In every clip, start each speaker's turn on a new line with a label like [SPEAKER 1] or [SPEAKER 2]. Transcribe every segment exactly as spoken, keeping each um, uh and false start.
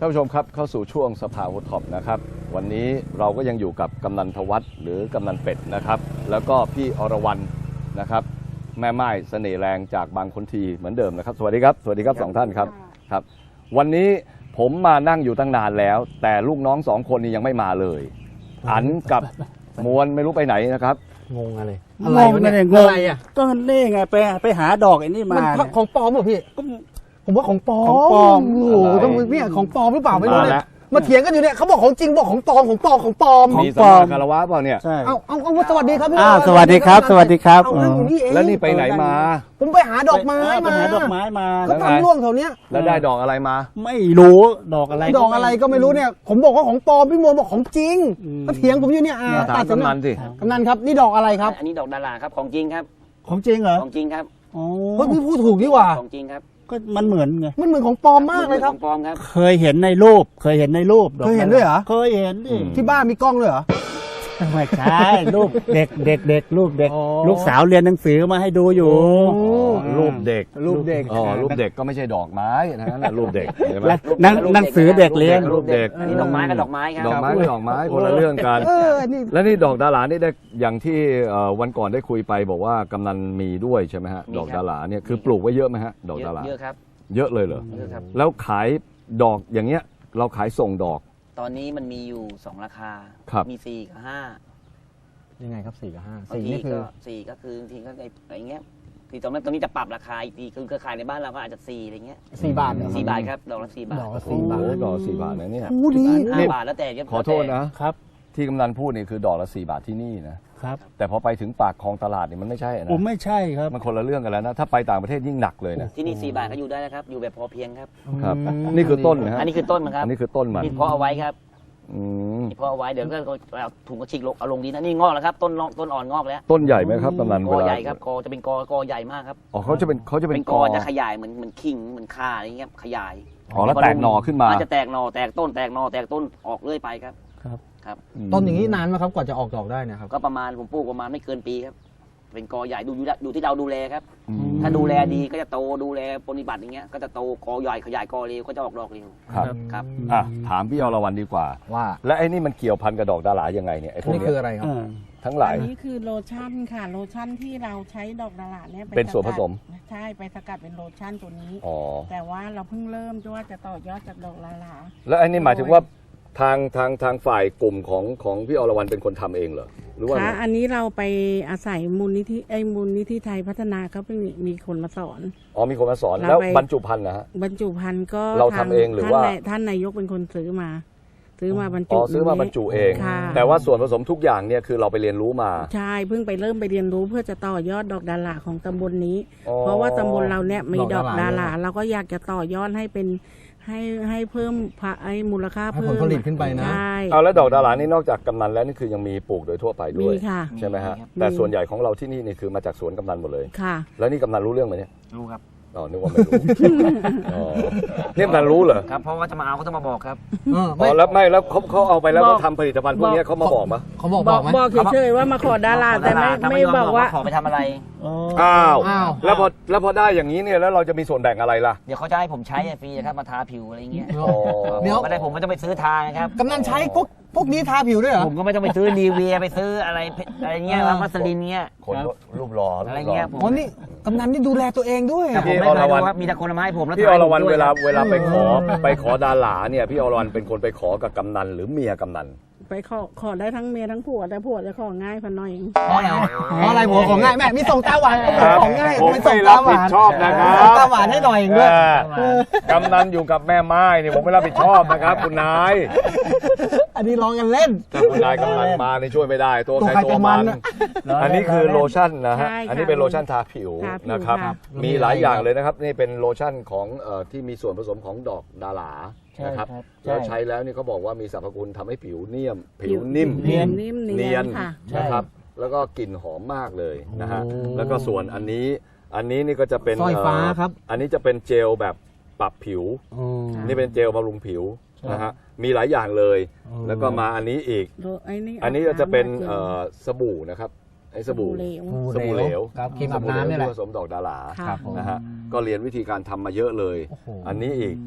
[SPEAKER 1] านผู้ชมครับเข้าสู่ช่วงสภาวูดท็อปนะครับวันนี้เราก็ยังอยู่กับกำนันทวัฒน์หรือกำนันเป็ดนะครับแล้วก็พี่อรวรรณนะครับแม่ไม้เสน่ห์แรงจากบางคนทีเหมือนเดิมนะครับสวัสดีครับสวัสดีครับสองท่านครับครับวันนี้ผมมานั่งอยู่ตั้งนานแล้วแต่ลูกน้องสองคนนี้ยังไม่มาเลยอันกับมวลไม่รู้ไปไหนนะครับ
[SPEAKER 2] งงอะไร
[SPEAKER 3] อะไรวะเนี่ยงงอะไรอ่ะก็นี่ไงไปไปหาดอกไอ้นี่มา
[SPEAKER 2] ของปลอมเหรอพี่ผมว่าของปลอม
[SPEAKER 3] ของปลอม
[SPEAKER 2] โอ้โหต้องเนี่ยของปลอมหรือเปล่าไม่รู้เนี่ยมาเถียงกันอยู่เนี่ยเขาบอกของจริงบอกของปลอมของปลอมของปลอม
[SPEAKER 1] มีสมาคารวะเปล่าเนี่ย
[SPEAKER 3] ใช่
[SPEAKER 2] เอาเอาเอาสวัสดีครับพี่
[SPEAKER 3] อ้าวสวัสดีครับสวัสดีครับ
[SPEAKER 1] แล้วนี่ไปไหนมา
[SPEAKER 2] ผมไปหาดอกไม้มา
[SPEAKER 3] ไปหาดอกไม้มา
[SPEAKER 2] ก็ทำร่วงแถวเนี้ย
[SPEAKER 1] แล้วได้ดอกอะไรมา
[SPEAKER 3] ไม่รู้ดอกอะไร
[SPEAKER 2] ดอกอะไรก็ไม่รู้เนี่ยผมบอกว่าของปลอมพี่มวลบอกของจริงมาเถียงผมอยู่เนี่ย
[SPEAKER 1] ตัดกำนันสิ
[SPEAKER 2] กำนันครับนี่ดอกอะไรครับ
[SPEAKER 4] อันนี้ดอกดาราครับของจริงครับ
[SPEAKER 3] ของจริงเหรอ
[SPEAKER 4] ของจริงครับ
[SPEAKER 3] อ๋อ
[SPEAKER 2] เฮ้ยพี่พูดถูกดีกว่า
[SPEAKER 4] ของจริงครับ
[SPEAKER 3] ก็มันเหมือนไง
[SPEAKER 2] มันเหมือนของปลอมมากเลยครับ
[SPEAKER 4] ของปลอมครับ
[SPEAKER 3] เคยเห็นในรูปเคยเห็นในรูป
[SPEAKER 2] เคยเห็นด้วยเหรอ
[SPEAKER 3] เคยเห็นดิ
[SPEAKER 2] ที่บ้านมีกล้องด้วยเหรอ
[SPEAKER 3] ไม่ใช่รูปเด็กเด็กเด็กลูกเด็กลูกสาวเรียนหนังสือมาให้ดูอยู่
[SPEAKER 1] รูปเด็ก
[SPEAKER 2] รูปเด็ก
[SPEAKER 1] อ๋อรูปเด็กก็ไม่ใช่ดอกไม้นะนั่นรูปเด็กใช่ไหม
[SPEAKER 3] หนังสือเด็กเรียน
[SPEAKER 1] รูปเด็ก
[SPEAKER 4] อันนี้ดอกไม้กับดอกไม้ครับ
[SPEAKER 1] ดอกไม้กับดอกไม้คนละเรื่องกันแล้วนี่ดอกดารานี่ได้อย่างที่วันก่อนได้คุยไปบอกว่ากำนันมีด้วยใช่ไหมฮะดอกดาราเนี่ยคือปลูกไว้เยอะไหมฮะดอกดารา
[SPEAKER 4] เยอะครับ
[SPEAKER 1] เยอะเลยเหรอแล้วขายดอกอย่างเงี้ยเราขายส่งดอก
[SPEAKER 4] ตอนนี้มันมีอยู่สองราคามีสี่กับห้า
[SPEAKER 2] ยังไงครับสี่กับห้า
[SPEAKER 4] สี่นี่คือสี่ก็คือทีก็อะไรเงี้ยทีตรงนั้นตรงนี้จะปรับราคาอีกทีคือเครือข่ายในบ้านเราก็อาจจะสี่อะไรเงี้ย
[SPEAKER 2] สี่บาท
[SPEAKER 4] สี่บาทครับดอกละสี่บาท
[SPEAKER 2] ดอกละสี่บาท
[SPEAKER 1] ดอกสี่บาทนะเนี่ย
[SPEAKER 2] โอ้ดี
[SPEAKER 4] ห้าบาทแล้วแต่
[SPEAKER 1] ขอโทษนะครับที่กำนันพูดนี่คือดอกละสี่บาทที่นี่นะครับแต่พอไปถึงปากคลองตลาดนี่มันไม่ใช่นะ
[SPEAKER 3] ผมไม่ใช่ครับ
[SPEAKER 1] มันคนละเรื่องกันแล้วนะถ้าไปต่างประเทศยิ่งหนักเลยนะ
[SPEAKER 4] ที่นี่สี่บาทก็อยู่ได้นะครับอยู่แบบพอเพียงครับ
[SPEAKER 1] ครับนี่คือต้นนะฮะ
[SPEAKER 4] อันนี้คือต้นมันครับ
[SPEAKER 1] อันนี้คือต้นมัน
[SPEAKER 4] เพาะเอาไว้ครับเพาะเอาไว้เดี๋ยวก็เอาถุงกระชิกลงเอาลงดินนะนี่งอกแล้วครับต้นต้นอ่อนงอกแล้ว
[SPEAKER 1] ต้นใหญ่ไหมครับกำนัน
[SPEAKER 4] กอใหญ่ครับกอจะเป็นกอกอใหญ่มากครับ
[SPEAKER 1] อ๋อเขาจะเป็นเขาจะเป็น
[SPEAKER 4] กอจะขยายเหมือนเหมือนขิงเหมือนข่าอะไรเงี้ยขยาย
[SPEAKER 1] อ๋อแล้วแตกหน่อขึ้นมา
[SPEAKER 4] จะแตกหน่อแตกต้นแตกหน่อแตกต้นออกเรื่อยไปครับ
[SPEAKER 3] ครับ
[SPEAKER 4] ครับ
[SPEAKER 2] ต้นอย่างนี้นานไหมครับกว่าจะออกดอกได้นะครับ
[SPEAKER 4] ก็ประมาณผมปลูกประมาณไม่เกินปีครับเป็นกอใหญ่ดูดูที่เราดูแลครับถ้าดูแลดีก็จะโตดูแลปฏิบัติอย่างเงี้ยก็จะโตกอใหญ่ขยายกอเร็วก็จะออกดอกเร็ว
[SPEAKER 1] ครับ
[SPEAKER 4] ครับ
[SPEAKER 1] อ่ะถามพี่อรวรรณดีกว่า
[SPEAKER 2] ว่า
[SPEAKER 1] และไอ้นี่มันเกี่ยวพันกับดอกดารายังไงเนี่ยไอ้พวกนี้
[SPEAKER 2] คืออะไรครับ
[SPEAKER 1] ทั้งหลาย
[SPEAKER 5] อันนี้คือโลชั่นค่ะโลชั่นที่เราใช้ดอกดาราเนี่ย
[SPEAKER 1] เป็นส่วนผสม
[SPEAKER 5] ใช่ไปสกัดเป็นโลชั่นตัวนี้แต่ว่าเราเพิ่งเริ่มด้วยว่าจะต่อยอดจากดอกดารา
[SPEAKER 1] แล้วไอ้นี่หมายถึงว่าทางทางทางฝ่ายกลุ่มของของพี่อรวรรณเป็นคนทำเองเหรอหรือว่า
[SPEAKER 5] คะอันนี้เราไปอาศัยมูลนิธิไอ้มูลนิธิไทยพัฒนาเขาเป็นมีคนมาสอน
[SPEAKER 1] อ๋อมีคนมาสอนแล้วบรรจุภัณฑ์นะฮะ
[SPEAKER 5] บรรจุภัณฑ์ก็
[SPEAKER 1] เราทำเองหรือว่า
[SPEAKER 5] ท่านนายกเป็นคนซื้อมาซื้อมาบรรจุ
[SPEAKER 1] อ๋อซื้อมาบรรจุเองแต่ว่าส่วนผสมทุกอย่างเนี่ยคือเราไปเรียนรู้มา
[SPEAKER 5] ใช่เพิ่งไปเริ่มไปเรียนรู้เพื่อจะต่อยอดดอกดาราของตำบลนี้เพราะว่าตำบลเราเนี่ยมีดอกดาราเราก็อยากจะต่อยอดให้เป็นให้ให้เพิ่มไอ้มูลค่าเพิ่ม
[SPEAKER 2] ผลผลิตขึ้นไปนะ
[SPEAKER 1] เอาแล้วดอกดารานี่นอกจากกำนันแล้วนี่คือยังมีปลูกโดยทั่วไปด้วยใช่ไหมฮะแต่ส่วนใหญ่ของเราที่นี่นี่คือมาจากสวนกำนันหมดเลย
[SPEAKER 5] ค่ะ
[SPEAKER 1] แล้วนี่กำนันรู้เรื่องไหมเนี่ย
[SPEAKER 4] รู้ครับ
[SPEAKER 1] อ๋อนึกว่าไม่รู้อ๋อเนี่ยกำนันรู้เหรอ
[SPEAKER 4] ครับเพราะว่าจะมาเอาก็ต้องมาบอกครับ
[SPEAKER 1] อ๋อแล้วไม่แล้วเขาเขาเอาไปแล้วเขาทำผลิตภัณฑ์พวกนี้เขามาบอกมั้ย
[SPEAKER 2] เขาบอกบอกไหม
[SPEAKER 5] บอกเฉยๆว่ามาขอดาราแต่ไม่ไม่บอกว่า
[SPEAKER 4] ขอไปทำอะไร
[SPEAKER 1] อ้าวแล้วพอแล้วพอได้อย่างนี้เนี่ยแล้วเราจะมีส่วนแบ่งอะไรล่ะ
[SPEAKER 4] เดี๋ยวเขาจะให้ผมใช้ฟรีครับมาทาผิวอะไรเงี้ยเดี๋ยวไม่ได้ผมไม่ต้องไปซื้อทาครับ
[SPEAKER 2] กำนันใช้พวกพวกนี้ทาผิวด้วยเหรอ
[SPEAKER 4] ผมก็ไม่ต้องไปซื้อนีเวียไปซื้ออะไรอะไรเงี้ยวัสลินเงี้ย
[SPEAKER 1] คนรูปหล่อ
[SPEAKER 4] อะไรเงี้ย
[SPEAKER 2] อ๋อนี่กำนันนี่ดูแลตัวเองด้วย
[SPEAKER 4] พี่อรวรรณมีแต่คนมาให้ผมแล้ว
[SPEAKER 1] พี่อรวรรณเวลาเวลาไปขอไปขอดาราเนี่ยพี่อรวรรณเป็นคนไปขอกับกำนันหรือเมียกำนัน
[SPEAKER 5] ไปขอขอได้ทั้งเมียทั้งผัวแต่ผัวจะของ่ายพันหน่อย
[SPEAKER 2] เพราะอะไรเพราะอะไรผัวของง่ายแม่มีส่งตาหวานของง่าย
[SPEAKER 1] ผมไม่รับผิดชอบนะครับ
[SPEAKER 2] ตาหวานให้หน่อยด้วย
[SPEAKER 1] กำนันอยู่กับแม่ไม้เนี่ยผมไม่รับผิดชอบนะครับคุณนาย
[SPEAKER 2] อันนี้ร้องกันเล่น
[SPEAKER 1] แต่คุณนายกำลังมาในช่วยไม่ได้ตัวใครตัวมันอันนี้คือโลชั่นนะฮะอันนี้เป็นโลชั่นทาผิวนะครับมีหลายอย่างเลยนะครับนี่เป็นโลชั่นของที่มีส่วนผสมของดอกดารานะครับแล้วใช้แล้วนี่เขาบอกว่ามีสรรพคุณทำให้ผิวเนียมผิวนิ่ม
[SPEAKER 5] เนียน
[SPEAKER 1] เนียนนะครับแล้วก็กลิ่นหอมมากเลยนะฮะแล้วก็ส่วนอันนี้อันนี้นี่ก็จะเป็น
[SPEAKER 2] สร้อยฟ้าครับ
[SPEAKER 1] อันนี้จะเป็นเจลแบบปรับผิวนี่เป็นเจลบำรุงผิวนะฮะมีหลายอย่างเลยแล้วก็มาอันนี้อีกอันนี้จะเป็นสบู่นะครับไอ้สบู่สบู่เหลว
[SPEAKER 2] ครีมอาบน้ำนี่แหละ
[SPEAKER 1] ผสมดอกดารานะฮะก็เรียนวิธีการทำมาเยอะเลยอันนี้อีก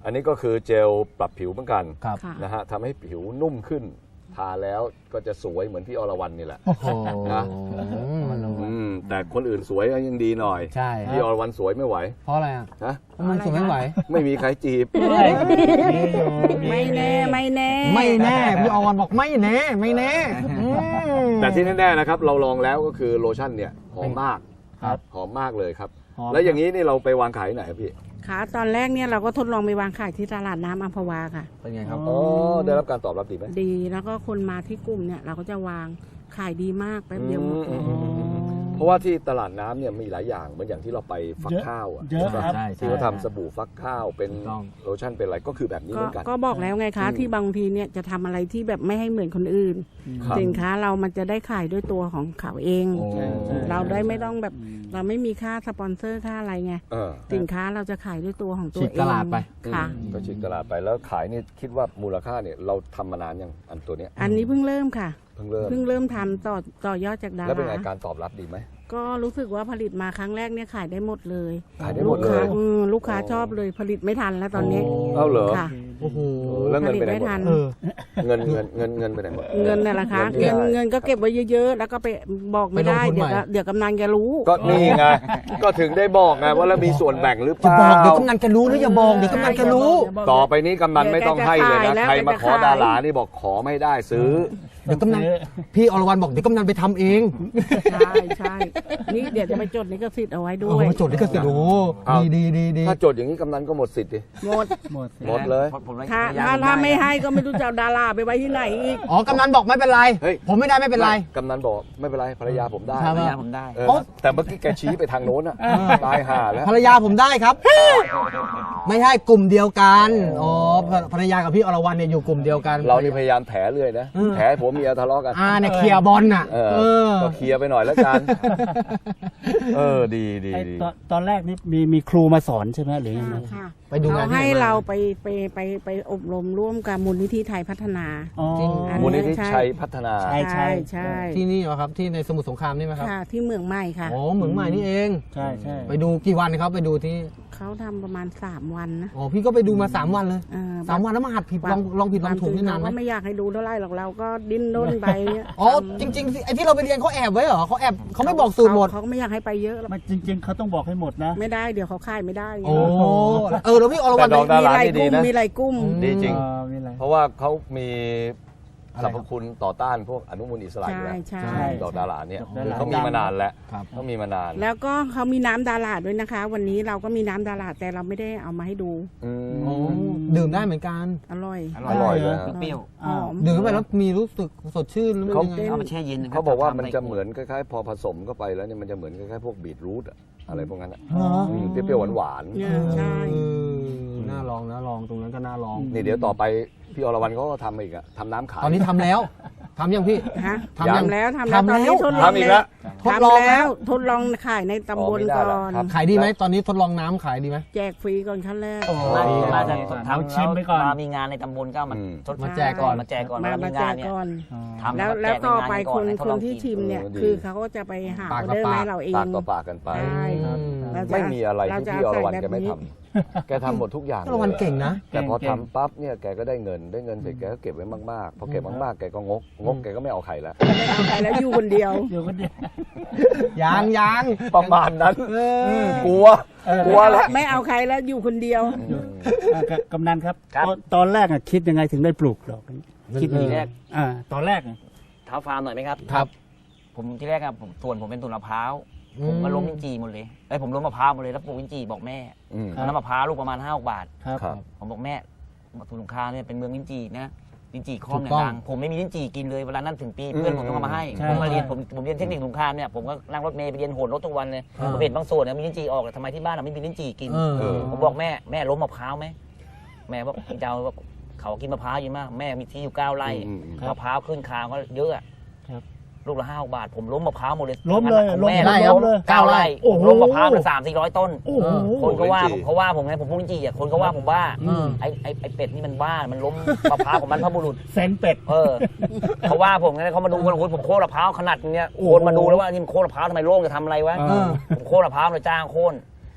[SPEAKER 1] อันนี้ก็คือเจลปรับผิวเหมือนกัน
[SPEAKER 2] ครับ
[SPEAKER 5] ค่ะ
[SPEAKER 1] นะฮะทำให้ผิวนุ่มขึ้น ทาแล้วก็จะสวยเหมือนพี่อรวรรณนี่แหละ
[SPEAKER 2] โอ้โห
[SPEAKER 1] นะ อืมแต่คนอื่นสวยยังดีหน่อย
[SPEAKER 2] ใช่
[SPEAKER 1] พี่อรวรรณสวยไม่ไหว
[SPEAKER 2] เพราะอะไรอ่ะ
[SPEAKER 1] นะ
[SPEAKER 2] เพราะมันสวยไม่ไหว
[SPEAKER 1] ไม่มีใครจีบ
[SPEAKER 5] ไม่แน่ไม่แน่
[SPEAKER 2] ไม่แน่พี่อวันบอกไม่แน่ไม่แน่อืม
[SPEAKER 1] แต่ที่แน่ๆนะครับ เราลองแล้วก็คือโลชั่นเนี่ยหอมมาก
[SPEAKER 3] ครับ
[SPEAKER 1] หอมมากเลยครับ
[SPEAKER 3] หอม
[SPEAKER 1] แล้วอย่างนี้นี่เราไปวางขายที่ไหนครับพี่
[SPEAKER 5] ค่ะตอนแรกเนี่ยเราก็ทดลองไปวางขายที่ตลาดน้ำอัมพวาค่ะ
[SPEAKER 2] เป็นไงครับ
[SPEAKER 1] อ๋อได้รับการตอบรับดีไหม
[SPEAKER 5] ดีแล้วก็คนมาที่กลุ่มเนี่ยเราก็จะวางขายดีมากแป๊บเดียวหมดเลย
[SPEAKER 1] อืม เพราะว่าที่ตลาดน้ำเนี่ยมีหลายอย่างเหมือนอย่างที่เราไปฟัก
[SPEAKER 3] เยอะ
[SPEAKER 1] ข้าวอ่ะ
[SPEAKER 3] เยอะ
[SPEAKER 1] ใช่ป
[SPEAKER 3] ครับ
[SPEAKER 2] ใช่
[SPEAKER 1] ที่เขาทำสบู่ฟักข้าวเป็น
[SPEAKER 2] ถูกต้อง
[SPEAKER 1] โลชั่นเป็นอะไรก็คือแบบนี้เห
[SPEAKER 5] ก็
[SPEAKER 1] มือนกัน
[SPEAKER 5] ก็บอกแล้วไงคะ
[SPEAKER 1] อืม
[SPEAKER 5] ที่บางทีเนี่ยจะทำอะไรที่แบบไม่ให้เหมือนคนอื่น
[SPEAKER 1] ครับ
[SPEAKER 5] สินค้าเรามันจะได้ขายด้วยตัวของเขาเอง
[SPEAKER 2] โอ้
[SPEAKER 5] เราได้ไม่ต้องแบบเราไม่มีค่าสปอนเซอร์ค่าอะไรไง
[SPEAKER 1] เออ
[SPEAKER 5] สินค้าเราจะขายด้วยตัวของตัว
[SPEAKER 2] ฉีก
[SPEAKER 5] เอง
[SPEAKER 2] ตลาดไป
[SPEAKER 5] ค่ะ
[SPEAKER 1] ก็ฉีกตลาดไปแล้วขายนี่คิดว่ามูลค่าเนี่ยเราทำมานานยังอันตัวเนี้ย
[SPEAKER 5] อันนี้เพิ่งเริ่มค่ะ
[SPEAKER 1] เพิ่งเริ่ม
[SPEAKER 5] เพิ่งเริ่มทำต่อต่อยอดจากดา
[SPEAKER 1] แล้วเป็นไง
[SPEAKER 5] รา
[SPEAKER 1] การตอบรับดีไหม
[SPEAKER 5] ก็รู้สึกว่าผลิตมาครั้งแรกเนี่ยขายได้หมดเลย
[SPEAKER 1] ขายได้หมดเลย
[SPEAKER 5] ลูกค้าอืมลูกค้าชอบเลยผลิตไม่ทันแล้วตอนนี้
[SPEAKER 1] เอ้าเหรอ
[SPEAKER 5] ค่ะ
[SPEAKER 2] โอ้โห
[SPEAKER 1] เออแล้วเงินไปไหนหมด
[SPEAKER 5] ผลิตไม่ทัน
[SPEAKER 2] เออ
[SPEAKER 1] เงินเงินเงินเงินไปไหนหมด
[SPEAKER 5] เงินน่ะละคะ
[SPEAKER 1] เงิ
[SPEAKER 5] เงิ
[SPEAKER 1] น
[SPEAKER 5] น
[SPEAKER 1] ที่ได้
[SPEAKER 5] เงินก็เก็บไว้เยอะๆ แล้วก็ไปบอกไม่ได้
[SPEAKER 2] ไปลงทุน
[SPEAKER 5] เดี๋ยว
[SPEAKER 2] ใหม่
[SPEAKER 5] ก็เดี๋ยวกำนันแกรู้
[SPEAKER 1] ก็นี่ไง ก็ถึงได้บอกไงว่าแล้วมีส่วนแบ่งหรือเป
[SPEAKER 2] จะ
[SPEAKER 1] ล่า
[SPEAKER 2] บอกเดี๋ยวกำนันจะรู้หรืออย่าบอกเดี๋ยวกำนันจะรู้
[SPEAKER 1] ต่อไปนี้กำนันไม่ต้องให้เลยนะ
[SPEAKER 5] เดี๋ยวแกจะ
[SPEAKER 1] ใครมาขอ
[SPEAKER 5] ขาย
[SPEAKER 1] ดารานี่บอกขอไม่ได้ซื้อ
[SPEAKER 2] เดี๋ยวกำนันพี่อรวรรณบอกเดี๋ยวกำนันไปทำเอง
[SPEAKER 5] ใช่ใช่นี่เดี๋ยวจะไปจดลิขสิทธิ์เอาไว้ด้
[SPEAKER 2] โอ้
[SPEAKER 5] วย
[SPEAKER 2] โหจดลิขสิทธิ์โอ้โห
[SPEAKER 1] เอา
[SPEAKER 2] ดีดีดีดี
[SPEAKER 1] ถ้าจดอย่างนี้กำนันก็หมดสิทธิ์ดิ
[SPEAKER 5] หมด
[SPEAKER 3] หมด
[SPEAKER 1] หมดเลย
[SPEAKER 4] ผมผมเลย
[SPEAKER 5] ถ้า
[SPEAKER 4] พยย
[SPEAKER 5] ถ้าถ้าไม่
[SPEAKER 4] ด้
[SPEAKER 5] ให้ก็ไม่รู้จะเอาดาราไปไว้ที่ไหนอีก
[SPEAKER 2] อ๋อกำนันบอกไม่เป็นไร
[SPEAKER 1] เฮ้ย
[SPEAKER 2] ผมไม่ได้ไม่เป็นไร
[SPEAKER 1] กำนันบอกไม่เป็นไรภรรยาผมได้
[SPEAKER 2] ครับ
[SPEAKER 4] พยายามผมได้
[SPEAKER 1] เออแต่เมื่อกี้แกชี้ไปทางโน้นอะตายห่าแล้ว
[SPEAKER 2] ภรรยาผมได้ครับ ไม่ใช่กลุ่มเดียวกันอ๋อภรรยากับพี่อรวรรณเนี่ยอยู่กลุ่มเดียวกัน
[SPEAKER 1] เรานี่พยายามแถเรื่อยนะ
[SPEAKER 2] เออ
[SPEAKER 1] แถให้ผัวเมียทะเลาะกัน
[SPEAKER 2] อ่าเนี่ยเคลียร์บอลน่ะ
[SPEAKER 1] เออ
[SPEAKER 2] เออ
[SPEAKER 1] ก็เคลียร์ไปหน่อยแล้วกัน เออดีดี
[SPEAKER 3] ไอ้
[SPEAKER 1] ดี
[SPEAKER 3] ตอนตอนแรกนี่มีมีครูมาสอนใช่ไหมหรือยังไง
[SPEAKER 5] ค่ะ
[SPEAKER 2] ไปดูงานที่ไหนมา
[SPEAKER 5] เขาให้เราไปไปไปไปอบรมร่วมกับมูลนิธิไทยพัฒนา
[SPEAKER 3] อ๋อ
[SPEAKER 2] จริง
[SPEAKER 5] อัน
[SPEAKER 1] มูลนิธิ
[SPEAKER 5] ใช่
[SPEAKER 1] ชัยพัฒนา
[SPEAKER 3] ใช่
[SPEAKER 5] ใช่ใช่
[SPEAKER 2] ที่นี่เหรอครับที่ในสมุทรสงครามนี่ไหมครับ
[SPEAKER 5] ค่ะที่เมืองใหม่ค่ะ
[SPEAKER 2] อ๋อเหมืองใหม่นี่เอง
[SPEAKER 3] ใช่ใช่
[SPEAKER 2] ไปดูกี่วันครับไปดูที่
[SPEAKER 5] เขาทำประมาณสามวันนะ
[SPEAKER 2] อ๋อพี่ก็ไปดูมาสามวันเลย
[SPEAKER 5] เออ
[SPEAKER 2] สามวันแล้วมาหัดผิดลองลองผิดลองถูกนี่นานไหม
[SPEAKER 5] ก็ไม่อยากให้ดูเท่าไหรหรอกเราก็ดิ้นด้นไป
[SPEAKER 2] อ๋อจริงๆไอ้ที่เราไปเรียนเขาแอบไว้เหรอเขาแอบเขาไม่บอกสูตรหมด
[SPEAKER 5] เขาก็ไม่อยากให้ไปเยอะหรอก
[SPEAKER 3] มันจริง ๆเขาต้องบอกให้หมดนะ
[SPEAKER 5] ไม่ได้เดี๋ยวเขาขายไม่ได้ไง
[SPEAKER 2] โอ้เออแล้วพี่อรวรรณ
[SPEAKER 1] แต่ดอก ดารา
[SPEAKER 5] มีหลาย
[SPEAKER 1] นี่
[SPEAKER 5] ก
[SPEAKER 1] ดี
[SPEAKER 5] ลุ่ม
[SPEAKER 1] นะ
[SPEAKER 5] มีหลายกลุ่ม
[SPEAKER 1] ดีจริง
[SPEAKER 3] อ๋อมีอะไร
[SPEAKER 1] เพราะว่าเขามี
[SPEAKER 2] อะไร
[SPEAKER 1] สร
[SPEAKER 2] ค
[SPEAKER 1] ร
[SPEAKER 2] รั
[SPEAKER 1] พ
[SPEAKER 2] บ
[SPEAKER 1] คุณต่อต้านพวกอนุมูลอิสระอยู่
[SPEAKER 5] ใช่
[SPEAKER 1] แล้ว
[SPEAKER 5] ใช่
[SPEAKER 2] ใช่
[SPEAKER 1] ดอกดาราเนี่ย
[SPEAKER 3] ดอกดารา
[SPEAKER 1] เขามีมานานแล้ว
[SPEAKER 2] ครับ
[SPEAKER 1] เขามีมานาน
[SPEAKER 5] แล้วก็เขามีน้ำดาราด้วยนะคะ วันนี้เราก็มีน้ำดาราแต่เราไม่ได้เอามาให้ดู
[SPEAKER 1] อืม
[SPEAKER 2] อ๋อดื่มได้เหมือนกัน
[SPEAKER 5] อร่อย
[SPEAKER 4] อ
[SPEAKER 1] อร่อยเลย
[SPEAKER 4] เปรี้ยว
[SPEAKER 5] หอม
[SPEAKER 2] ดื่มเข้าไปแล้วมีรู้สึกสดชื่นหรือมัน
[SPEAKER 1] เขา
[SPEAKER 2] ยังไง
[SPEAKER 4] เอามาแช่เย็นนะครั
[SPEAKER 1] เขาบอกว่ามัน
[SPEAKER 4] ทำใ
[SPEAKER 1] จะเหมือนคล้ายๆ พอผสมเข้าไปแล้วเนี่ยมันจะเหมือนคล้ายๆพวกบีทรูทอะอะไรพวกนั้นอะ
[SPEAKER 2] เหรอ
[SPEAKER 1] อืมเปรี้ยวๆหวาน
[SPEAKER 5] เนี่ยใช่
[SPEAKER 2] เออน่าลองนะลองตรงนั้นก็น่าลอง
[SPEAKER 1] ๆนี่เดี๋ยวต่อไปพี่อรวรรณเขาก็ทำอีกอะทำน้ำขาย
[SPEAKER 2] ตอนนี้ทำแล้วทำยังพี่
[SPEAKER 5] ฮะ
[SPEAKER 2] ทำยัง
[SPEAKER 5] ทำแล้วทำแล้ว
[SPEAKER 2] ทำ
[SPEAKER 5] ตอน
[SPEAKER 2] แล้
[SPEAKER 5] นี้
[SPEAKER 2] ว
[SPEAKER 5] ทดลอง
[SPEAKER 1] ทำอีกแล้ว
[SPEAKER 2] ทดลอง
[SPEAKER 5] ทำแล้วทดลองขายในตำบล
[SPEAKER 1] อ๋อไม่ได้
[SPEAKER 5] ก่
[SPEAKER 1] แล้ว
[SPEAKER 5] อน
[SPEAKER 1] ครับ
[SPEAKER 2] ขายดีไหมตอนนี้ทดลองน้ำขายดีไหม
[SPEAKER 5] แจกฟรีก่อนขั้นแรก
[SPEAKER 4] มา
[SPEAKER 2] โอ้
[SPEAKER 4] มาจะ
[SPEAKER 3] เอา
[SPEAKER 4] ทำ
[SPEAKER 3] ชิมไปก่อน
[SPEAKER 4] มามีงานในตำบลก็มา
[SPEAKER 1] อืม
[SPEAKER 4] ทด
[SPEAKER 2] มาแจกก่อน
[SPEAKER 4] มาแจกก่อน
[SPEAKER 5] มา
[SPEAKER 4] เวลา
[SPEAKER 5] มา
[SPEAKER 4] มี
[SPEAKER 5] แจ
[SPEAKER 4] งาน
[SPEAKER 5] ก
[SPEAKER 4] เนี่ย
[SPEAKER 5] ก่อน
[SPEAKER 3] อ๋อ
[SPEAKER 4] ทำ
[SPEAKER 5] แล้ว
[SPEAKER 4] มา
[SPEAKER 5] แล้ว
[SPEAKER 4] จกใน
[SPEAKER 5] ต่อง
[SPEAKER 4] าน
[SPEAKER 5] ไป
[SPEAKER 4] ก่
[SPEAKER 5] คน
[SPEAKER 4] ให้ทด
[SPEAKER 5] ค
[SPEAKER 4] ล
[SPEAKER 5] น
[SPEAKER 4] อง
[SPEAKER 5] ที่
[SPEAKER 4] กิ
[SPEAKER 5] ชิมเนี่ย
[SPEAKER 1] เออดี
[SPEAKER 5] คือเขาก็จะไปหาอ
[SPEAKER 2] ปาก
[SPEAKER 5] อ
[SPEAKER 2] ต่อ
[SPEAKER 5] เดอร์
[SPEAKER 2] ปาก
[SPEAKER 5] ให้เราเอง
[SPEAKER 1] ปากต่อปากกันไป
[SPEAKER 5] ใช่
[SPEAKER 2] อืม
[SPEAKER 5] เราจะ
[SPEAKER 1] ไม่มีอะไร
[SPEAKER 5] เรา
[SPEAKER 1] ที่
[SPEAKER 5] จะ
[SPEAKER 1] พี่อรวรรณ
[SPEAKER 5] ใส่
[SPEAKER 1] แกไม่
[SPEAKER 5] แบบ
[SPEAKER 1] ทำแกทำหมดทุกอย่าง
[SPEAKER 2] อรวรรณเก่งนะ
[SPEAKER 1] แต่พอ
[SPEAKER 3] เก่ง
[SPEAKER 1] ทำปั๊บเนี่ยแกก็ได้เงินได้เงินเสร็จแกก็เก็บไว้มากๆพอเก็บมากๆแกก็งกงกแกก็ไม่เอาใครแล้ว
[SPEAKER 5] ไม่เอาใครแล้วอยู่คนเดียว
[SPEAKER 3] อยู่คนเดียว
[SPEAKER 2] ยางยาง
[SPEAKER 1] ประมาณนั้น
[SPEAKER 2] เออก
[SPEAKER 1] ลัวกลัวแล้ว
[SPEAKER 5] ไม่เอาใครแล้วอยู่คนเดียว
[SPEAKER 3] อ่ะกกำนันครับ
[SPEAKER 4] ครับ
[SPEAKER 3] ตอนตอนแรกอะคิดยังไงถึงได้ปลูกดอกนี้คิด
[SPEAKER 4] ทีแรก
[SPEAKER 3] อ่าตอนแรกอะ
[SPEAKER 4] เท้าฟาร์มหน่อยไหมครับ
[SPEAKER 2] ครับ
[SPEAKER 4] ผมที่แรกอะผมส่วนผมเป็นต้นมะพร้าว
[SPEAKER 2] อืม
[SPEAKER 4] ผมก็ล้มลิ้นจี่หมดเลยไอ้ยผมล้มมะพร้าวหมดเลยแล้วปลูกลิ้นจี่บอกแม่
[SPEAKER 1] อืม
[SPEAKER 4] น้ำมะพร้าวลูกประมาณห้าบาท
[SPEAKER 3] ครับ
[SPEAKER 1] ครับ
[SPEAKER 4] ผมบอกแม่สมุทรสงครามเนี่ยเป็นเมืองลิ้นจี่นะลิ้นจี่คล่อมเนี่ย
[SPEAKER 2] ถูกต้อง
[SPEAKER 4] ดังผมไม่มีลิ้นจี่กินเลยเวลานั้นถึงปีเพื่อนผมต้องเอามาให้
[SPEAKER 3] ใช่
[SPEAKER 4] ผมมาเรียน
[SPEAKER 3] ใช่
[SPEAKER 4] ผมผมเรียนเทคนิคสงครามเนี่ยผมก็นั่งรถเมล์ไปเรียนโหนรถทุกวันเลย
[SPEAKER 2] อ่า
[SPEAKER 4] ผมเห็นบางส่วนเนี่ยมีลิ้นจี่ออกแต่ทำไมที่บ้านเราไม่มีลิ้นจี่กิน
[SPEAKER 2] เออ
[SPEAKER 1] เออ
[SPEAKER 4] ผมบอกแม่แม่ล้มมะพร้าวไหมแม่บอกเจ้าบอกเขากินมะพร้าวเยอะมากแม่มีที่อยู่เก้าไร่
[SPEAKER 1] อืมอืม
[SPEAKER 3] ครับ
[SPEAKER 4] มะพร้าวขึ้นคางก็เยอะอะ
[SPEAKER 3] ครับ
[SPEAKER 4] ลูกละห้าบาท ผมล้มมะพร้าวหมดเลย
[SPEAKER 3] ล้มเลย
[SPEAKER 4] ของ
[SPEAKER 3] ล้ม
[SPEAKER 4] แม่
[SPEAKER 2] ไร่
[SPEAKER 3] ล้มเลย
[SPEAKER 4] เก้าไร่
[SPEAKER 3] โอ้โห
[SPEAKER 4] ล้มมะพร้าวเป็นสามสี่ร้อยต้น
[SPEAKER 3] โอ้โห
[SPEAKER 4] คนก็ว่า
[SPEAKER 1] ลิ้นจี่
[SPEAKER 4] ผมเขาว่าผมไงผมพูดจริงๆอ่ะคนก็ว่าผมว่า
[SPEAKER 2] อืม
[SPEAKER 4] ไอ้ไอ้ไอ้เป็ดนี่มันบ้ามันล้มมะพร้าวของมันพระบุรุษ
[SPEAKER 3] เซนเป็ด
[SPEAKER 4] เออเขาว่าผมไงเขามาดูกันโอ้ยผมโค่นมะพร้าวขนาดเนี้ย
[SPEAKER 3] โอ้โห
[SPEAKER 4] คนมาดูแล้วว่านี่มันโค่นมะพร้าวทำไมโล่งจะทำอะไรวะ
[SPEAKER 2] เออ
[SPEAKER 4] ผมโค่นมะพร้าวเลยจ้างโค่น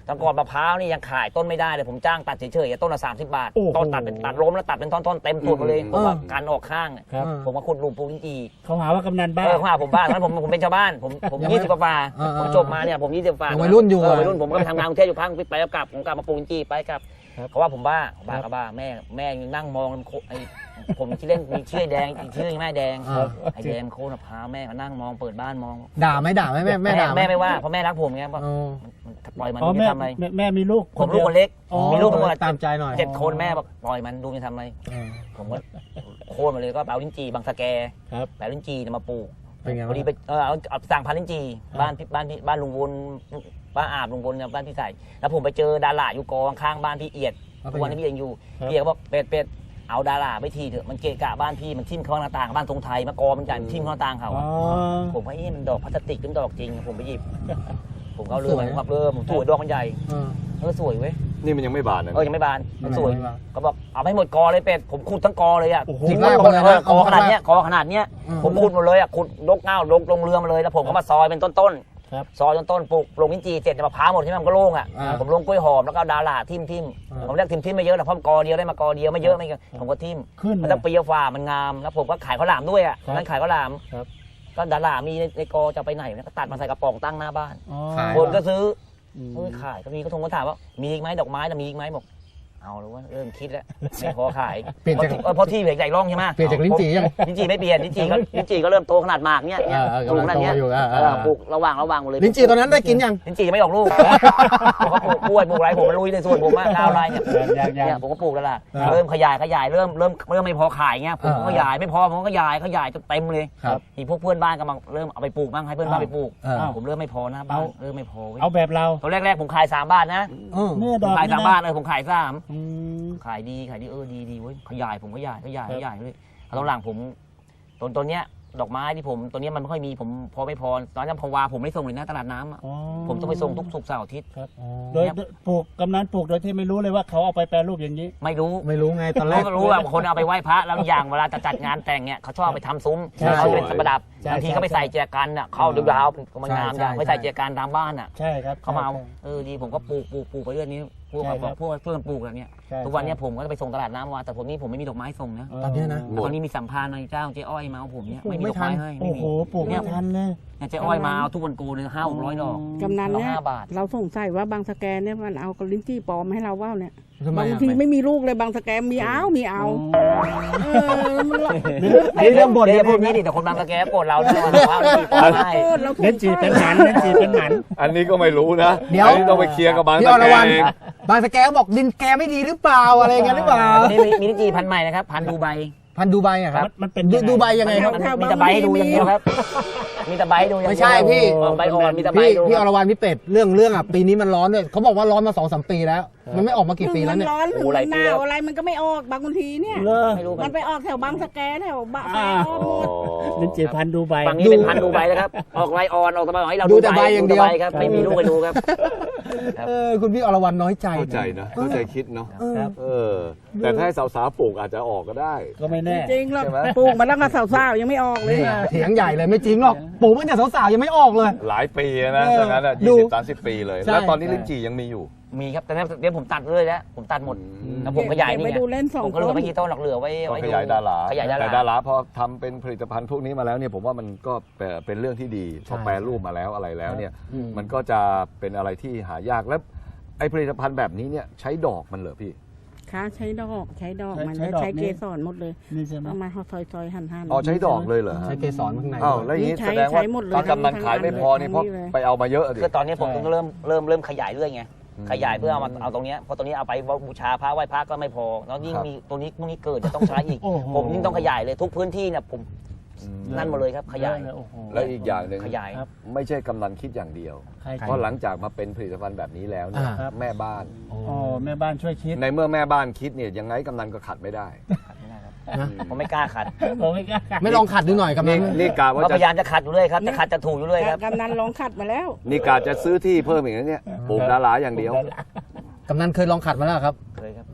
[SPEAKER 4] ตอนก่อนมะพร้าวนี่ยังขายต้นไม่ได้เลยผมจ้างตัดเฉยๆต้นละสามสิบบาท
[SPEAKER 3] โอ้โห
[SPEAKER 4] ต้นตัดเป็นตัดล้มแล้วตัดเป็นท่อนๆเต็มตัวมาเลยผมว่าการออกข้าง
[SPEAKER 3] ครับ
[SPEAKER 4] ผมมาขุดหลุมปลูกลิ้นจี่
[SPEAKER 3] เขาหาว่ากำนันบ้า
[SPEAKER 4] เออข้าผมบ้านนั้นผมผมเป็นชาวบ้านผมผมยี่สิบกว่าฝ่าผมจบมาเนี่ยผมยี่สิบฝ่า
[SPEAKER 2] วัยรุ่นอยู่
[SPEAKER 4] เวัยรุ่นผมก็ไปทำงานกรุงเทพอยู่พักไปแล้วกลับผมกลับมาปลูกลิ้นจี่ไปกลับเขาว่าผมบ้าบ้าก็บ้าแม่แม่ยังนั่งมองไอ้ผมที่เล่นมีชื่อแดงอีกชื่อแม่แดงไอ้แดงโค่นมะพร้าวแม่ก็นั่งมองเปิดบ้านมอง
[SPEAKER 2] ด่าไหมด่าไหมแม่แม่ด่าห
[SPEAKER 4] แม่ไม่ว่าเพราะแม่รักผมไงบอก
[SPEAKER 2] อ๋อ
[SPEAKER 4] ปล่อยมัน
[SPEAKER 3] อ๋อ
[SPEAKER 4] ดู
[SPEAKER 3] แม่
[SPEAKER 4] จะทำอะไร
[SPEAKER 3] แม่แม่มีลูก
[SPEAKER 4] ผมลูกคนเล็ก
[SPEAKER 3] อ๋อ
[SPEAKER 4] มีลูกทั้งหมด
[SPEAKER 2] ตามใจหน่อย
[SPEAKER 4] เจ็ดคนแม่บอกปล่อยมันดูจะทำอะไร
[SPEAKER 2] เออ
[SPEAKER 4] ผมก็โค่นมาเลยก็เอาลิ้นจี่บางสะแก
[SPEAKER 3] ครับ
[SPEAKER 4] แปลลิ้นจี่เนี่ยมาปลูก
[SPEAKER 2] เป็นไง
[SPEAKER 4] พอดี
[SPEAKER 2] บ้าง
[SPEAKER 4] ไปเออเอาเอาสั่งพันธุ์ลิ้นจี่
[SPEAKER 3] ครับ
[SPEAKER 4] บ้านพี่บ้านพี่บ้านลุงวนบ้านอาบลุงวนเนี่ยบ้านพี่ใส่แล้วผมไปเจอดาราอยู่กองข้างบ้านพี่เอียดทุกวันนี้พี่เองอยู่พี่เอียดก็บอกเป็ดเป็ดเอาดาราไปทีเถอะมันเกะกะบ้านพี่มันทิ่มเข้าหน้าต่างบ้านทรงไทยมากอมันใหญ่มันทิ่มเข้าหน้าต่างเขา
[SPEAKER 3] อ๋อ
[SPEAKER 4] ผมว่าเอ๊ะมันดอกพลาสติกหรือดอกจริงผมไปหยิบ ผมก็เอาเริ่มผมครับเริ่มสวยดอกมันใหญ่
[SPEAKER 2] เออ
[SPEAKER 4] เออสวยเว้ย
[SPEAKER 1] นี่มันยังไม่บานนะ
[SPEAKER 4] เออยังไม่บานมันสวย
[SPEAKER 2] ไม่บาน
[SPEAKER 4] ก็บอกเอาไปหมดกอเลยเป็ดผมขุดทั้งกอเลยอ่ะ
[SPEAKER 3] โอ้โห
[SPEAKER 2] ขุด
[SPEAKER 4] หมด
[SPEAKER 2] แรก
[SPEAKER 4] หมดเลย
[SPEAKER 2] เลยนะ
[SPEAKER 4] กอขนาดเนี้ย
[SPEAKER 2] เอา
[SPEAKER 4] กอขนาดเนี้ย
[SPEAKER 2] อืม
[SPEAKER 4] ผมขุดหมดเลยอ่ะขุดลกเง่าลงลงเรือมาเลยแล้วผมก็มาซอยเป็นต้น
[SPEAKER 3] ครับ
[SPEAKER 4] ๆซอยต้นๆปลูกลงลิ้นจี่เสร็จมะพร้าวหมดที่มันก็โล่งอ่ะ
[SPEAKER 2] อ่า
[SPEAKER 4] ผมลงกล้วยหอมแล้วก็ดาราทิ่มทิ่ม
[SPEAKER 2] อ่า
[SPEAKER 4] ผมเรียกทิ่มทิ่มไม่เยอะหรอกเพราะมันกอเดียวได้มากอเดียวไม่เยอะไม่เยอะผมก็ทิ่ม
[SPEAKER 3] ขึ้น
[SPEAKER 4] มัน
[SPEAKER 3] เล
[SPEAKER 4] ต้อง
[SPEAKER 3] ย
[SPEAKER 4] ปีกว่ามันงามแล้วผมก็ขายข้าวหลามด้วยอ่ะ
[SPEAKER 3] ครับ
[SPEAKER 4] นั่นขายข้าวหลาม
[SPEAKER 3] ครับ
[SPEAKER 4] ก็ดารามีในในกอจะเอาไปไหนเนี่ยก็ตัดมาใส่กระป๋องตั้งหน้าบ้าน
[SPEAKER 3] อ๋อ
[SPEAKER 2] ขาย
[SPEAKER 4] คนก็ซื้อ
[SPEAKER 3] อืม
[SPEAKER 4] เฮ้ยขายก็มีก็ทงก็ถามว่ามีอีกไหมดอกไม้นะมีอีกไหมบอกเอาแล้วว่าเริ่มคิดแล้วไม่พอขาย
[SPEAKER 2] เปลี่ยนจาก
[SPEAKER 4] เพราะที่เพราะที่เหลือใหญ่ร่องใช่ไหม
[SPEAKER 2] เปลี่ยนจากลิ้นจี่ยัง
[SPEAKER 4] ลิ้นจี่ไม่เปลี่ยนลิ้นจี่ก็ลิ้นจี่ก็เริ่มโตขนาดหมากเนี่ย
[SPEAKER 2] เออเออ
[SPEAKER 4] ปลูกขนาดเนี้ย
[SPEAKER 2] กำลังโตอยู่อ่ะ
[SPEAKER 4] เออปลูกระหว่างระหว่างหมดเลย
[SPEAKER 2] ลิ้นจี่ตอนนั้นได้กินยัง
[SPEAKER 4] ลิ้นจี่ยังไม่ออกลูกผมก็ปลูกกล้วยปลูกอะไรผมมันลุยในส่วนผมอะก้าวไรเนี่ย
[SPEAKER 3] ยังยัง
[SPEAKER 4] เนี่ยผมก็ปลูกแล้วล่ะ
[SPEAKER 2] ครับ
[SPEAKER 4] เริ่มขยายขยายเริ่มเริ่มเริ่มไม่พอขายเงี้ยผมก็
[SPEAKER 2] อ่า
[SPEAKER 4] ขยายไม่พอผมก็ขยายขยายจนเต็มเลย
[SPEAKER 2] ครับ
[SPEAKER 4] มีพวกเพื่อนบ้านก็มาเริ่มเอาไปปลูกบ้างให้เพื่อนบ้านไปปลูก
[SPEAKER 2] อ่า
[SPEAKER 4] ผมเริ่มไม่พอนะบ้านเริ่มไม่พอเว้ย
[SPEAKER 3] เอาแบบเรา
[SPEAKER 4] ตอนแรกๆผมขายสามบาทนะ
[SPEAKER 2] เออ
[SPEAKER 3] เนี่ยด
[SPEAKER 4] ผ
[SPEAKER 3] อ
[SPEAKER 4] ม
[SPEAKER 3] ก
[SPEAKER 4] ขาย
[SPEAKER 3] นี่
[SPEAKER 4] สาม
[SPEAKER 3] นะ
[SPEAKER 4] บาทเลยผมขายสาม
[SPEAKER 3] อืม
[SPEAKER 4] ขายดีขายดีเออดีดีเว้ยขยายผมขยายขยาย
[SPEAKER 3] ครั
[SPEAKER 4] ข
[SPEAKER 3] บ
[SPEAKER 4] ยายเลยตอนหลังผมตอนตอนเนี้ยดอกไม้ที่ผมตัวเนี้ยมันไม่ค่อยมีผมพอไม่พอตอนนั้นพอวาผมไม่ส่งเลยนะตลาดน้ำอะ
[SPEAKER 3] อ๋อ
[SPEAKER 4] ผมต้องไปส่งทุกศุกร์เสาร์อาทิตย์
[SPEAKER 3] ครับโดยปลูกกำนันปลูกโดยที่ไม่รู้เลยว่าเขาเอาไปแปรรูปอย่างนี้
[SPEAKER 4] ไม่รู้
[SPEAKER 2] ไม่รู้ไงตอนแร
[SPEAKER 4] เรา
[SPEAKER 2] ก
[SPEAKER 4] ก็รู้ว่าคนเอาไปไหว้พระแล้วอย่างเวลาจะจัดงานแต่งเนี่ยเขาชอบไปทำซุ้ม
[SPEAKER 3] ใช่
[SPEAKER 4] เขาจะเป็นประดับ
[SPEAKER 3] ใช่
[SPEAKER 4] บางที
[SPEAKER 3] ใช่
[SPEAKER 4] ก็ไปใส่แจกันอ่ะเข้าดูดาวมันงาม
[SPEAKER 2] ใช่
[SPEAKER 4] อย่าง
[SPEAKER 2] ใช่
[SPEAKER 4] ไม่ใส่แจกันตามบ้านอ่ะ
[SPEAKER 3] ใช่ครับ
[SPEAKER 4] เขามาเอา
[SPEAKER 3] ใช่
[SPEAKER 4] เออดีผมก็ปลูกปลูกปลูกไปเรื่อยนี้พวก
[SPEAKER 3] ใช่ครับ
[SPEAKER 4] พวกเพื่อนปลูกอะไรเนี่ย
[SPEAKER 3] ใช่
[SPEAKER 4] ทุกวันเนี้ผมก็จะไปส่งตลาดน้ำมาแต่ผมนี่ผมไม่มีดอกไม้ส่งนะ
[SPEAKER 2] ตอนเนี้ยนะ
[SPEAKER 4] ตอนนี้มีสัมภาระในเจ้าเจ๊อ้อยมาเอาผมเนี่ย
[SPEAKER 2] ปลูก
[SPEAKER 4] ไม่มีดอกไม้
[SPEAKER 2] ไม่ทัน
[SPEAKER 4] ให้
[SPEAKER 3] โอ้
[SPEAKER 4] ไม่
[SPEAKER 3] โห
[SPEAKER 4] มี
[SPEAKER 3] ปลูกไม่ทันเลย
[SPEAKER 4] เนี่ยเจ๊อ้อยมาเอาทุกวันโกเลยห้าหกร้อยดอก
[SPEAKER 5] กำนันเนี่ย
[SPEAKER 4] เราห้าบาท
[SPEAKER 5] เราสงสัยว่าบางสแกนเนี่ยมันเอากระลิ้นจี้ปลอมให้เราว่าเนี่ย
[SPEAKER 2] ทำไม
[SPEAKER 5] บาง
[SPEAKER 2] อ่ะ
[SPEAKER 5] ทีไม่มีลูกเลยบางสแกนมีเอามีเอาเออมันละ
[SPEAKER 2] นี่เรื่องบ่น
[SPEAKER 4] เดี๋ยว
[SPEAKER 2] เรื่
[SPEAKER 4] พู
[SPEAKER 2] อ
[SPEAKER 4] ด
[SPEAKER 2] ง
[SPEAKER 4] นี้
[SPEAKER 2] นี้
[SPEAKER 4] ดิแต่คนบางตะแกรงโกรธเราด้วยว่าว่าไม่ได้
[SPEAKER 5] เออเราสง
[SPEAKER 3] เล่นจี
[SPEAKER 5] สั
[SPEAKER 3] เป็น
[SPEAKER 5] ย
[SPEAKER 3] หมันเล่นจีเป็นหมัน
[SPEAKER 1] อันนี้ก็ไม่รู้นะ
[SPEAKER 2] เดี๋ยว
[SPEAKER 1] อันนี้ต้องไปเคลียร์กับบาง
[SPEAKER 2] พี่
[SPEAKER 1] ตะ
[SPEAKER 2] อร
[SPEAKER 1] แกร
[SPEAKER 2] วร
[SPEAKER 1] ง
[SPEAKER 2] รณบางสแกนบอกดินแกไม่ดีหรือเปล่าอะไรอย่างเงี้ยหรือเปล่า
[SPEAKER 4] วันนี้มีมีลิ้นจี่พันธุ์ใหม่นะครับพันธุ์ดูไบ
[SPEAKER 2] พันธุ์ดูไบอะครับ
[SPEAKER 3] มันมันเป็น
[SPEAKER 2] ดู
[SPEAKER 3] ยังไง
[SPEAKER 2] ดูไบยังไงครับ
[SPEAKER 4] มันมีแต่ใบให้ดูอย่างเดียวครับ มีแต่ใบให้ดูอย่างเดียว
[SPEAKER 2] ไม่ใช่พี่
[SPEAKER 4] เออใบอ่อนมีแต่ใบ
[SPEAKER 2] พี่
[SPEAKER 4] ให้ดู
[SPEAKER 2] พี่
[SPEAKER 4] ค
[SPEAKER 2] อ
[SPEAKER 4] รับ
[SPEAKER 2] รวรรณพี่เป็ดเรื่องเรื่องอ่ะปีนี้มันร้อนด้วยเขาบอกว่าร้อนมาสองสามปีแล้ว มันไม่ออกมากี่ปีแล้วเนี่ย
[SPEAKER 5] มันร้อนถึงมันหนาวอะไรมันก็ไม่ออกบางทีเนี่ย
[SPEAKER 3] เลอ
[SPEAKER 4] ไม่รู้
[SPEAKER 5] มันไปออกแถวบางสแกแถวบะแฟ
[SPEAKER 3] อ่า
[SPEAKER 5] ออกหมด
[SPEAKER 3] เล่นจีพันธุ์ดูใบ
[SPEAKER 4] ฝั่งนี้เป็นพันธุ์ดูไบนะครับ ออกใบอ่อนออกตะไบให้เรา
[SPEAKER 2] ดูแต่ใบอย่างเดียว
[SPEAKER 4] ใบครับ ไม่มีลูกไปดูครับ ครับ
[SPEAKER 2] เออคุณพี่อรวรรณน้อยใจ
[SPEAKER 1] เข้าใจนะเข้าใจคิดเนาะ
[SPEAKER 2] เออ
[SPEAKER 3] ครับ
[SPEAKER 1] เออ แต่ถ้าให้สาวๆปลูกอาจจะออกก็ได้
[SPEAKER 3] ก็ไม่แน่
[SPEAKER 5] จริงหรอก
[SPEAKER 1] ใช่ไหม
[SPEAKER 5] ปลูกมาตั้งแต่สาวๆยังไม่ออกเลย
[SPEAKER 2] นี่เถียงใหญ่เลยไม่จริงหรอกปลูกตั้งแต่สาวๆยังไม่ออกเลย
[SPEAKER 1] หลายปีนะ
[SPEAKER 2] เออ
[SPEAKER 1] ดังนั้นอ่ะ
[SPEAKER 2] ดู
[SPEAKER 1] ยี่สิบสามสิบปีเลย
[SPEAKER 2] ใช่
[SPEAKER 1] แล้วตอนนี้ลิ้นจี่ยังมีอยู่
[SPEAKER 4] มีครับแต่เนี่ยเดี๋ยวผมตัดเลยแล้วผมตัดหมด
[SPEAKER 1] อืม
[SPEAKER 4] แล้วผมขยายนี่
[SPEAKER 5] ไป
[SPEAKER 4] ไง
[SPEAKER 5] ดูเล่นสอง
[SPEAKER 4] ผมก็เหลื
[SPEAKER 5] ต้
[SPEAKER 4] อน ไม่กี่ต้นหรอกเหลือไว้
[SPEAKER 1] ก็
[SPEAKER 4] ไว้
[SPEAKER 1] ข
[SPEAKER 4] ดู
[SPEAKER 1] ยายดารา
[SPEAKER 4] ขยายดา
[SPEAKER 1] แต่
[SPEAKER 4] รา
[SPEAKER 1] ดาราพอทำเป็นผลิตภัณฑ์พวกนี้มาแล้วเนี่ยผมว่ามันก็เป็นเรื่องที่ดีพอแปรรูปมาแล้วอะไรแล้วเนี่ย
[SPEAKER 2] อืม
[SPEAKER 1] มันก็จะเป็นอะไรที่หายากแล้วไอ้ผลิตภัณฑ์แบบนี้เนี่ยใช้ดอกมันเหรอพี่
[SPEAKER 5] ค่ะใช้ดอกใช้ดอก
[SPEAKER 3] ใช้
[SPEAKER 5] มัน
[SPEAKER 3] ใช้
[SPEAKER 5] แล้ว
[SPEAKER 3] ดอก
[SPEAKER 5] ใช้
[SPEAKER 3] นี่
[SPEAKER 5] เกสรหมดเลย
[SPEAKER 3] นี่ใช่ไหม
[SPEAKER 5] เอามาซอยๆหั่นๆ
[SPEAKER 1] อ๋อใช้ดอกเลยเหรอฮะ
[SPEAKER 2] ใช้เกสรข้างใน
[SPEAKER 1] อ้าวแล้วอย่างนี้
[SPEAKER 5] ใช้
[SPEAKER 1] แสดงว่า
[SPEAKER 5] ใช้หมดเลย
[SPEAKER 1] ตอนกำนัน
[SPEAKER 5] ทั้ง
[SPEAKER 1] ขายไม่พอนี่
[SPEAKER 5] ทั้ง
[SPEAKER 1] เพราะ
[SPEAKER 5] นี่เลย
[SPEAKER 1] ไปเอามาเยอะดิ
[SPEAKER 4] คือตอนนี้ผม
[SPEAKER 3] ใช่
[SPEAKER 4] ต้องเริ่มเริ่มเริ่มขยายเรื่อยไง
[SPEAKER 1] อืม
[SPEAKER 4] ขยายเพื่อเอามาเอาตรงเนี้ยเพราะตรงนี้เอาไปบูชาพระไหว้พระก็ไม่พอ แล้วยิ่ง
[SPEAKER 1] ครับ
[SPEAKER 4] มีตัวนี้พวกนี้เกิดจะต้องใช้อีก
[SPEAKER 3] โอ้โห
[SPEAKER 4] ผมยิ่งต้องขยายเลยทุกพื้นที่เนี่ยผม
[SPEAKER 1] อืม
[SPEAKER 4] นั่นหมดเลยครับขยาย
[SPEAKER 3] เอะเลโอ้โห
[SPEAKER 1] แล้วอีกอย่างหนึ่ง
[SPEAKER 4] ขยาย
[SPEAKER 3] ครับ
[SPEAKER 1] ไม่ใช่กำนันคิดอย่างเดียว
[SPEAKER 3] ใคร
[SPEAKER 1] เพราะหลังจากมาเป็นผลิตภัณฑ์แบบนี้แล้วเนี่ย
[SPEAKER 2] อ่า
[SPEAKER 3] ครับ
[SPEAKER 1] แม่บ้าน
[SPEAKER 3] อ๋อแม่บ้านช่วยคิด
[SPEAKER 1] ในเมื่อแม่บ้านคิดเนี่ยยังไงกำนันก็ขัดไม่ได้
[SPEAKER 2] นะ
[SPEAKER 4] ผมไม่กล้าขัด
[SPEAKER 3] ผมไม่กล้า
[SPEAKER 2] ไม่ลองขัดดูหน่อยกำนั
[SPEAKER 1] นี่
[SPEAKER 2] น
[SPEAKER 1] นี่กาว่า
[SPEAKER 4] เรา
[SPEAKER 1] จะ
[SPEAKER 4] พยายามจะขัดอยู่เรื่อยครับจะขัดจะถูอยู่เรื่อยครับ
[SPEAKER 5] กำนันลองขัดมาแล้ว
[SPEAKER 1] นี่กาจะซื้อที่เพิ่มอีกนะเนี่ยปลูกดาราอย่างเดียว
[SPEAKER 2] กำนันเคยลองขัดมาแล้วครับ
[SPEAKER 4] เคยครับ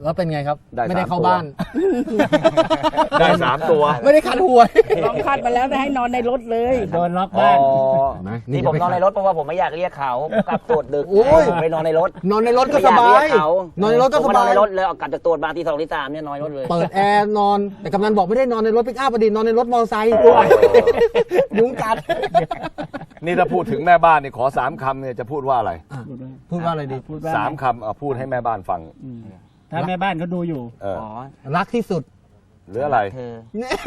[SPEAKER 2] แล้วเป็นไงครับ
[SPEAKER 1] ได้
[SPEAKER 2] ไม่ได้
[SPEAKER 1] สาม
[SPEAKER 2] เข้า
[SPEAKER 1] ตัว
[SPEAKER 2] บ้าน
[SPEAKER 1] ได้สามตัว
[SPEAKER 2] ไม่ได้คันหวย
[SPEAKER 5] ลองคัดมาแล้วแต่ให้นอนในรถเลย
[SPEAKER 3] โดนล็อก
[SPEAKER 1] อ๋อ
[SPEAKER 3] บ้าน
[SPEAKER 4] นี่ผมนอนในรถเพราะว่าผมไม่อยากเรียกเขากลับตรวจดึก
[SPEAKER 2] โอ้ย
[SPEAKER 4] ผมไปนอนในรถ
[SPEAKER 2] นอนในรถก็สบาย
[SPEAKER 4] ไม่อยกเรีกเขา
[SPEAKER 2] นอนในรถก็
[SPEAKER 4] ผม
[SPEAKER 2] ส
[SPEAKER 4] นอบ
[SPEAKER 2] าน ย
[SPEAKER 4] ในรถเลยเอากลับจากตรวจมาที่สองที่สามเนี่ยนอนในรถเลย
[SPEAKER 2] เปิดแอร์นอน แต่กำนันบอกไม่ได้นอนในรถปิกอัพอดีตนอนในรถมอเตอร์ไซค์ยุงกัด
[SPEAKER 1] นี่ถ้าพูดถึงแม่บ้านนี่ขอสามคำเนี่ยจะพูดว่าอะไร
[SPEAKER 2] พูดว่าอะไรดี
[SPEAKER 3] พูดว่า
[SPEAKER 1] สามคำเอาพูดให้แม่บ้านฟัง
[SPEAKER 3] อืมถ้าแม่บ้านเขาดูอยู่
[SPEAKER 1] เออ
[SPEAKER 4] อ๋อ
[SPEAKER 2] รักที่สุด
[SPEAKER 1] หรืออะไร
[SPEAKER 4] เธอ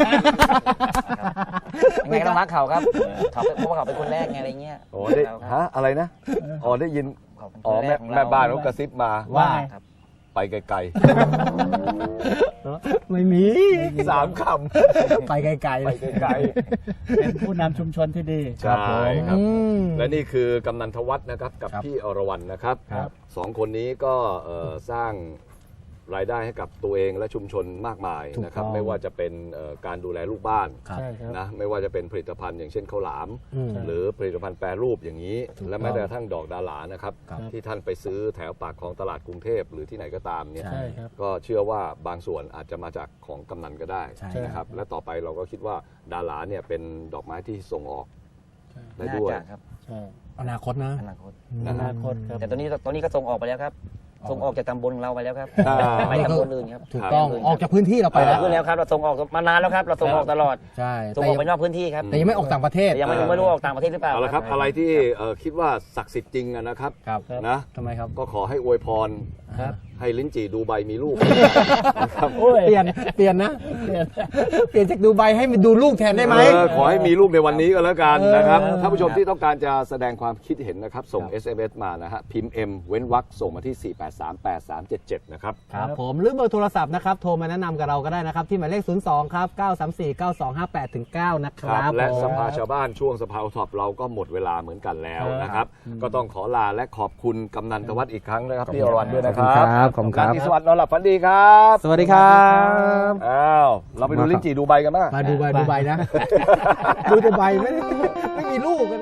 [SPEAKER 4] ยังไงก็ต้องรักเขาครับเขาเป็นเพราะว่าเขาเป็นคนแรกไงอะไรเงี้ย
[SPEAKER 1] โอ้ได้
[SPEAKER 4] เราครับ
[SPEAKER 1] ฮะอะไรนะอ๋อได้ยิน
[SPEAKER 4] เขาเป็นค
[SPEAKER 1] อ๋อน
[SPEAKER 4] แร
[SPEAKER 1] แม่
[SPEAKER 4] กของเร
[SPEAKER 1] แม่บ้านเขากระซิบมา
[SPEAKER 2] ว่า
[SPEAKER 4] ครับ
[SPEAKER 1] ไปไกล
[SPEAKER 2] ไม่มี
[SPEAKER 1] ๆสามค
[SPEAKER 2] ไปไกล
[SPEAKER 1] ำ
[SPEAKER 2] ๆ
[SPEAKER 1] ไปไกล
[SPEAKER 3] เป็นผู้นำชุมชนที่ดี
[SPEAKER 1] ๆใช่ครับ
[SPEAKER 2] อืม
[SPEAKER 1] และนี่คือกำนันทวัฒน์นะครับกับ
[SPEAKER 2] ครับ
[SPEAKER 1] พี่อรวรรณนะครับ
[SPEAKER 2] ครับ
[SPEAKER 1] สองคนนี้ก็เอ่อสร้างรายได้ให้กับตัวเองและชุมชนมากมาย
[SPEAKER 2] ถูก
[SPEAKER 1] นะครับ
[SPEAKER 2] ต้อง
[SPEAKER 1] ไม่ว่าจะเป็นเอ่อการดูแลลูกบ้าน
[SPEAKER 2] ครับ
[SPEAKER 3] ใช่ครับ
[SPEAKER 1] นะไม่ว่าจะเป็นผลิตภัณฑ์อย่างเช่นข้าวหลาม
[SPEAKER 2] อืม
[SPEAKER 1] หรือผลิตภัณฑ์แปรรูปอย่างนี้
[SPEAKER 2] ถูก
[SPEAKER 1] และแม้แต่กระทั่งดอกดาหลานะครับ
[SPEAKER 2] ครับ
[SPEAKER 1] ที่ท่านไปซื้อแถวปากคลองตลาดกรุงเทพหรือที่ไหนก็ตามเนี่ย
[SPEAKER 3] ใช่ครับ
[SPEAKER 1] ก็เชื่อว่าบางส่วนอาจจะมาจากของกำนันก็ได้
[SPEAKER 2] ใช่
[SPEAKER 1] นะครับและต่อไปเราก็คิดว่าดาหลาเนี่ยเป็นดอกไม้ที่ส่งออกได้
[SPEAKER 4] น่า
[SPEAKER 1] ด้วย
[SPEAKER 4] จะครับ
[SPEAKER 3] ใช่
[SPEAKER 2] อนาคตนะ
[SPEAKER 4] อนาคต
[SPEAKER 3] อนาคตครับ
[SPEAKER 4] แต่ตอนนี้ตอนนี้ก็ส่งออกไปแล้วครับส่งออกจากตำบลของเราไปแล้วครับ
[SPEAKER 1] อ่า
[SPEAKER 4] ไปตำบลอื่นครับ
[SPEAKER 2] ถูกต้องออกจากพื้นที่เราไป
[SPEAKER 4] ไป
[SPEAKER 2] แล้ว
[SPEAKER 4] ขึ้นแล้วครับเราส่งออกมานานแล้วครับเราส่งออกตลอด
[SPEAKER 2] ใช่
[SPEAKER 4] ส่ง
[SPEAKER 2] แต่
[SPEAKER 4] ออก
[SPEAKER 2] ยัง
[SPEAKER 4] ไปนอกพื้นที่ครับ
[SPEAKER 2] แต่ยังไม่ออกต่างประเทศ
[SPEAKER 4] แต่ยังไม่รู้ไม่รู้ออกต่างประเทศหรือเปล่า
[SPEAKER 1] เอาละครับอะไรที่เอ่อคิดว่าศักดิ์สิทธิ์จริงอะนะครับ
[SPEAKER 2] ครับ
[SPEAKER 1] นะ
[SPEAKER 2] ทำไมครับ
[SPEAKER 1] ก็ขอให้อวยพร
[SPEAKER 3] ครับ
[SPEAKER 1] ให้ลิ้นจี่ดูใบมีลูกนะครับ
[SPEAKER 3] โอ้ย
[SPEAKER 2] เปลี่ยนเปลี่ยนนะเปลี่ยนเปลี่ยนจากดูใบให้ดูลูกแทนได้ไหม
[SPEAKER 1] เออขอให้มีลูกในวันนี้ก็แล้วกัน
[SPEAKER 2] เออ
[SPEAKER 1] นะครับท่านผู้ชมที่ต้องการจะแสดงความคิดเห็นนะครับ ส่ง เอส เอ็ม เอส มานะฮะพิมพ์ M เว้นวรรคส่งมาที่ สี่ แปด สาม แปด สาม เจ็ด เจ็ด นะครับ
[SPEAKER 2] ครับผมหรือเบอร์โทรศัพท์นะครับโทรมาแนะนำกับเราก็ได้นะครับ ที่หมายเลข ศูนย์ สอง ครับ เก้า สาม สี่ เก้า สอง ห้า แปด ถึง เก้า นะค
[SPEAKER 1] ค
[SPEAKER 2] รั
[SPEAKER 1] รั
[SPEAKER 2] บบ
[SPEAKER 1] และ
[SPEAKER 2] ผม
[SPEAKER 1] สภาชาวบ้านช่วงสภาท็อปเราก็หมดเวลาเหมือนกันแล้วนะครับ ก็ต้องขอลาและขอบคุณกำนันทวัฒน์อีกครั้งนะครับพี่อรวรรณด้วยนะครับ
[SPEAKER 2] ขอบคุณครับ
[SPEAKER 1] ราตรีสวัสดิ์นอนหลับฝันดีครับ
[SPEAKER 2] สวัสดีครับ
[SPEAKER 1] อ้าวเราไปดูลิ้นจี่ดูใบกันบ้าง
[SPEAKER 2] มาดูใบดูใบนะ ดูแต่ใบไม่ได้ไม่มีลูก